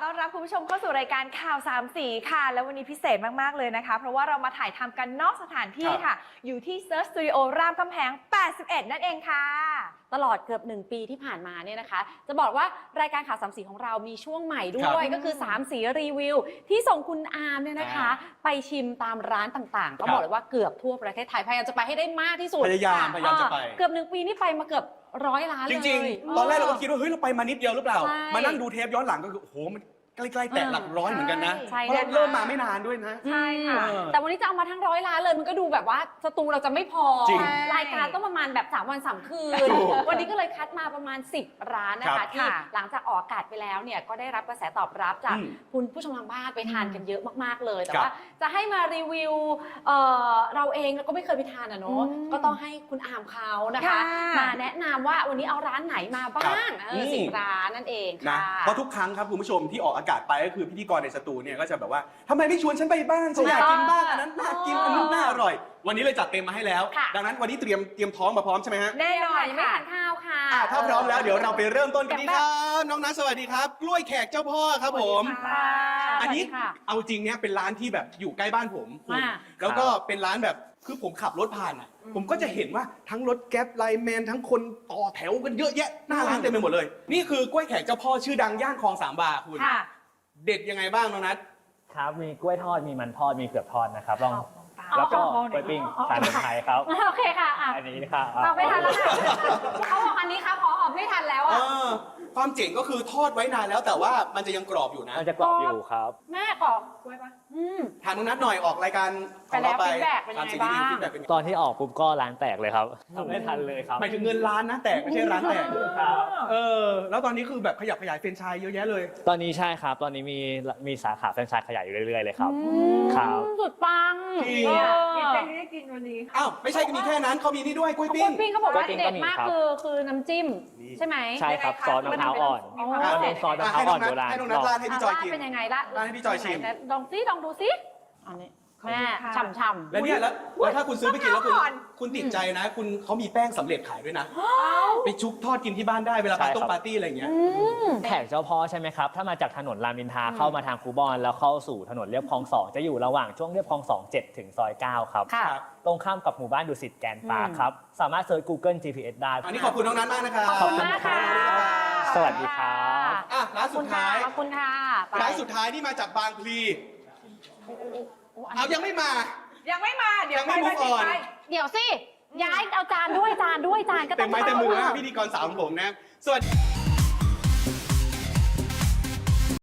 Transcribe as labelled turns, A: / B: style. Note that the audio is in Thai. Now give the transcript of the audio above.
A: ต้อนรับคุณผู้ชมเข้าสู่รายการข่าวสามสีค่ะแล้ววันนี้พิเศษมากๆเลยนะคะเพราะว่าเรามาถ่ายทำกันนอกสถานที่ค่ะอยู่ที่ Search Studio รามคำแหง 81 นั่นเองค่ะ
B: ตลอดเกือบ1 ปีที่ผ่านมาเนี่ยนะคะจะบอกว่ารายการข่าวสามสีของเรามีช่วงใหม่ด้วยก็คือ3สีรีวิวที่ส่งคุณอาร์มเนี่ยนะคะไปชิมตามร้านต่างๆก็บอกเลยว่าเกือบทั่วประเทศไทยพยายามจะไปให้ได้มากที่สุด
C: พยายามจะไป
B: เกือบ1 ปีนี่ไปมาเกือบ100 ล้านเลย
C: จริงๆตอนแรกเราก็คิดว่าเฮ้ยเราไปมานิดเดียวหรือเปล่ามานั่งดูเทปย้อนหลังก็คือโอ้โหมันใกล้ๆแต่หลักร้อยเหมือนกันนะเพราะเริ่มมาไม่นานด้วยนะ
B: ใช่ค่ะแต่วันนี้จะเอามาทั้ง100 ล้านเลยมันก็ดูแบบว่าสตูเราจะไม่พอรายการต้องประมาณแบบ3 วัน3 คืนวันนี้ก็เลยคัดมาประมาณ10 ร้านนะคะที่หลังจากออกอากาศไปแล้วเนี่ยก็ได้รับกระแสตอบรับจากคุณผู้ชมทางบ้านไปทานกันเยอะมากๆเลยแต่ว่าจะให้มารีวิวเราเองก็ไม่เคยไปทานอ่ะเนาะก็ต้องให้คุณอาร์มเขานะคะมาแนะนำว่าวันนี้เอาร้านไหนมาบ้าง10 ร้านนั่นเองค่ะ
C: เพราะทุกครั้งครับคุณผู้ชมที่ออกอากาศไปก็คือพิธีกรในสตูเนี่ยก็จะแบบว่าทำไมไม่ชวนฉันไปบ้างฉันอยากกินบ้างอันนั้นน่ากินอันนู้นน่าอร่อยวันนี้เลยจัดเต็มมาให้แล้วดังนั้นวันนี้เตรียมท้องมาพร้อมใช่ไหมฮะ
B: แน่นอนยังไม่ทานข้าวค่ะ
C: ถ้าพร้อมแล้วเดี๋ยวเราไปเริ่มต้นกันดีครับน้องนัทสวัสดีครับกล้วยแขกเจ้าพ่อครับผมอันนี้เอาจริงเนี่ยเป็นร้านที่แบบอยู่ใกล้บ้านผมแล้วก็เป็นร้านแบบคือผมขับรถผ่านอ่ะผมก็จะเห็นว่าทั้งรถแก๊ปไลน์แมนทั้งคนต่อแถวกันเยอะแยะหน้าร้านเต็มไปหมดเลยนี่คือกล้วยแขกเจ้าพ่อชื่อดังย่านคลอง3 วาคุณเด็ดยังไงบ้างน้องนัท
D: ครับมีกล้วยทอดมีมันทอดมีเผือกทอดนะครับลองแล้วก็กล้วยปิ้งทานเป็นไทยครับ
B: โอเคค่ะ
D: อันนี้นะครับ
B: เอาไม่ทันแล้วค่ะเขาบอกอันนี้ครับขอไม่ทันแล้วอ่ะ
C: ความเจ๋งก็คือทอดไว้นานแล้วแต่ว่ามันจะยังกรอบอยู่นะ
D: มันจะกรอบอยู่ครับ
B: แม่กรอบกล้วยปะ
C: ถามน้องนัทหน่อยออกรายการ
B: ของเราไปถามสิ่งดี
C: ๆฟีดแบ็กเป็น
D: ตอนที่ออกปุ๊บก็ร้านแตกเลยครับทำไม่ทันเลยครับ
C: หมายถึงเงินล้านนะแตกไม่ใช่ร้านแตกแล้วตอนนี้คือแบบขยับขยายแฟรนไชส์เยอะแยะเลย
D: ตอนนี้ใช่ครับตอนนี้มีสาขาแฟรนไชส์ขยายอยู่เรื่อยๆเลยครับครับ
B: สุดปัง
A: กินใจที่ได้กินวันนี้
C: อ้าวไม่ใช่มีแค่นั้นเขามีนี่ด้วยกล้วยปิ้ง
B: เขาบอกว่าเด็ดมากคือน้ำจิ้มใช่ไหม
D: ใช่ครับซอสมะพร้าวอ่อนซอสมะพร้าวอ่อนโบราณ
C: ให้น้องนัทราดให้พี่จอยกิน
B: เป็นยังไงล่ะ
C: ราดให้พี่จอยชิม
B: ลองดูซิอันนี้แม่ฉ่ำๆ
C: แล้วเนี่ยแล้วถ้าคุณซื้อไปกินแล้วคุณติดใจนะคุณเขามีแป้งสำเร็จขายด้วยนะไปชุบทอดกินที่บ้านได้เวลาไปต้มปาร์ตี้อะไรอย่างเงี้ย
D: แขกเจ้าพ่อใช่ไหมครับถ้ามาจากถนนรามอินทราเข้ามาทางคูบอนแล้วเข้าสู่ถนนเลียบคลอง2จะอยู่ระหว่างช่วงเลียบคลอง2 7ถึงซอย9ครับตรงข้ามกับหมู่บ้านดุสิตแกนปาร์คครับสามารถเซิร์ช Google GPS ได้
C: อันนี้ขอบคุณน้องนัทมากนะครับ
B: ขอบคุณมากค่ะ
D: สวัสดีครับ
C: ร้านสุดท้าย
B: ขอบคุณค่ะ
C: ร้านสุดท้ายที่มาจากบางพลีเอายังไม่มาเดี๋ยวไป
B: เดี๋ยวสิย้ายเอาจานก็ต้อง
C: เต็มไม้เต็มมือนะพิธีกรสาวของผมนะสวัสดี